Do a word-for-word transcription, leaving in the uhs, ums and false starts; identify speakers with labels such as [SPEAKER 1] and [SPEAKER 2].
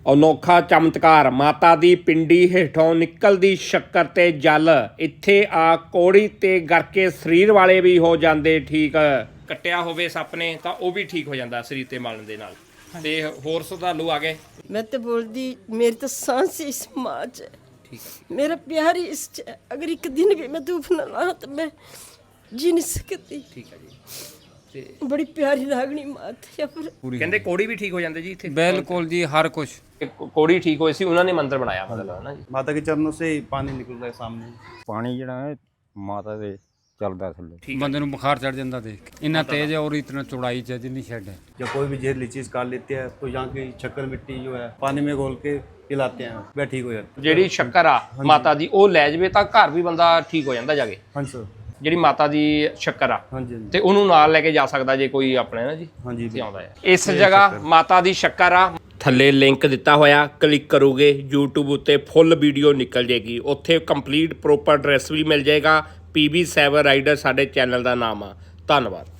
[SPEAKER 1] ਅਨੋਖਾ ਚਮਤਕਾਰ ਮਾਤਾ ਦੀ ਪਿੰਡੀ ਹੇਠੋਂ ਨਿਕਲਦੀ ਸ਼ੱਕਰ ਤੇ ਜਲ ਇੱਥੇ ਆ ਕੋੜੀ ਤੇ ਗਰਕੇ ਸਰੀਰ ਵਾਲੇ ਵੀ ਹੋ ਜਾਂਦੇ ਠੀਕ। ਕੱਟਿਆ ਹੋਵੇ ਸੱਪ ਨੇ ਤਾਂ ਉਹ ਵੀ ਠੀਕ ਹੋ ਜਾਂਦਾ ਸਰੀਰ ਤੇ ਮਲਣ ਦੇ ਨਾਲ। ਤੇ ਹੋਰ ਸ਼ਰਧਾਲੂ ਆ ਗਏ।
[SPEAKER 2] मैं तो बोलती मेरी तो सांस ही इस माँ च है,
[SPEAKER 1] ठीक है,
[SPEAKER 2] मेरा प्यार ही इस च है। अगर एक दिन भी मैं धूप न ला तो मैं जी नहीं सकती।
[SPEAKER 1] ठीक है जी। ਤੇ
[SPEAKER 2] बड़ी प्यारी रागनी माँ थी। पर
[SPEAKER 1] ਕਹਿੰਦੇ ਕੋੜੀ ਵੀ ਠੀਕ ਹੋ ਜਾਂਦੇ ਜੀ ਇੱਥੇ।
[SPEAKER 3] बिल्कुल जी, हर कुछ
[SPEAKER 1] ਕੋੜੀ ਠੀਕ ਹੋਈ ਸੀ, ਉਹਨਾਂ ਨੇ ਮੰਦਿਰ ਬਣਾਇਆ ਮਤਲਬ ਹੈ ਨਾ ਜੀ।
[SPEAKER 4] माता के चरणों से ही पानी निकल रहा है सामने।
[SPEAKER 5] ਪਾਣੀ ਜਿਹੜਾ ਹੈ ਮਾਤਾ ਦੇ ਚੱਲਦਾ ਥੱਲੇ।
[SPEAKER 3] बंदे ਨੂੰ बुखार चढ़ जाता देख के। इन्ना तेज है और इतना चौड़ाई च जिन्नी शेड है।
[SPEAKER 4] जब कोई भी जहरीली चीज काट लेते हैं तो यहाँ की शक्कर मिट्टी जो है पानी में घोल के पिलाते हैं, वह ठीक हो जाता है।
[SPEAKER 1] ਜਿਹੜੀ ਸ਼ੱਕਰ ਆ ਮਾਤਾ ਦੀ ਉਹ ਲੈ ਜਵੇ ਤਾਂ ਘਰ ਵੀ ਬੰਦਾ ਠੀਕ ਹੋ ਜਾਂਦਾ ਜਾ ਕੇ।
[SPEAKER 4] हाँ सर,
[SPEAKER 1] ਜਿਹੜੀ ਮਾਤਾ ਦੀ ਸ਼ੱਕਰ ਆ
[SPEAKER 4] हाँ जी,
[SPEAKER 1] ਤੇ ਉਹਨੂੰ ਨਾਲ ਲੈ ਕੇ ਜਾ ਸਕਦਾ ਜੇ ਕੋਈ ਆਪਣੇ ਨਾ ਜੀ
[SPEAKER 4] हाँ जी,
[SPEAKER 1] ਤੇ ਆਉਂਦਾ ਹੈ। ਇਸ ਜਗ੍ਹਾ ਮਾਤਾ ਦੀ ਸ਼ੱਕਰ ਆ, ਥੱਲੇ ਲਿੰਕ ਦਿੱਤਾ ਹੋਇਆ, ਕਲਿੱਕ ਕਰੋਗੇ YouTube ਉੱਤੇ ਫੁੱਲ ਵੀਡੀਓ ਨਿਕਲ ਜੇਗੀ। ਉੱਥੇ ਕੰਪਲੀਟ ਪ੍ਰੋਪਰ ਐਡਰੈਸ ਵੀ ਮਿਲ ਜਾਏਗਾ। ਪੀ ਬੀ ਸੈਵਨ ਰਾਈਡਰ ਸਾਡੇ ਚੈਨਲ ਦਾ ਨਾਮ ਆ। ਧੰਨਵਾਦ।